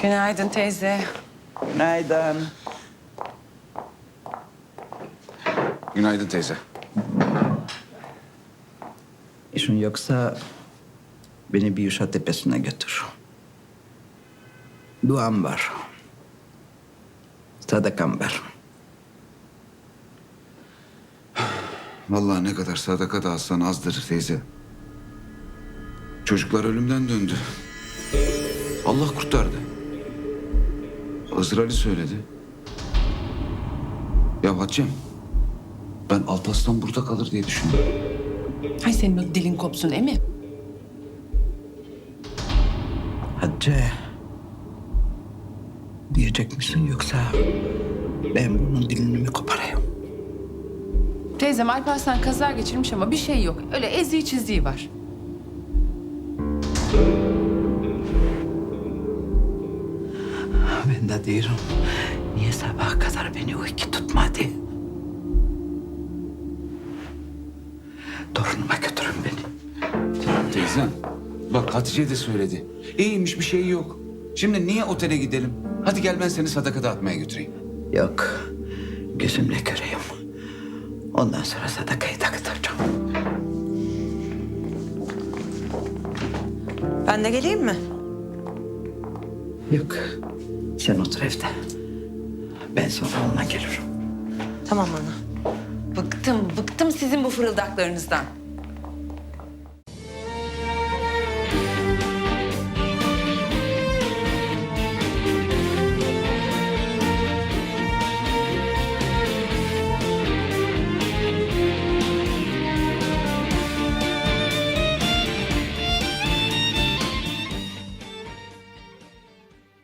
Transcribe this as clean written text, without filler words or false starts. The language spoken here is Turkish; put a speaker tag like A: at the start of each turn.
A: Günaydın teyze.
B: Günaydın.
C: Günaydın teyze.
B: İşin yoksa beni bir Uşak Tepesi'ne götür. Duam var. Sadakam var.
C: Vallahi ne kadar sadaka da alsan azdır teyze. Çocuklar ölümden döndü. Allah kurtardı. Hızır Ali söyledi. Ya Hatice'm, ben Alparslan burada kalır diye düşündüm.
A: Hay senin o dilin kopsun emi.
B: Hatice. Diyecek misin yoksa ben bunun dilini mi koparayım?
A: Teyzem Alparslan kaza geçirmiş ama bir şey yok. Öyle eziği çiziği var.
B: Ben de diyorum. Niye sabaha kadar beni uyku tutmadı? Torunuma götürün beni.
C: Teyzem, bak Hatice de söyledi. İyiymiş, bir şey yok. Şimdi niye otele gidelim? Hadi gel ben seni sadaka dağıtmaya götüreyim.
B: Yok. Gözümle göreyim. Ondan sonra sadakayı dağıtacağım.
D: Ben de geleyim mi?
B: Yok. Sen otur evde. Ben sonra onunla gelirim.
D: Tamam ana.
A: Bıktım sizin bu fırıldaklarınızdan.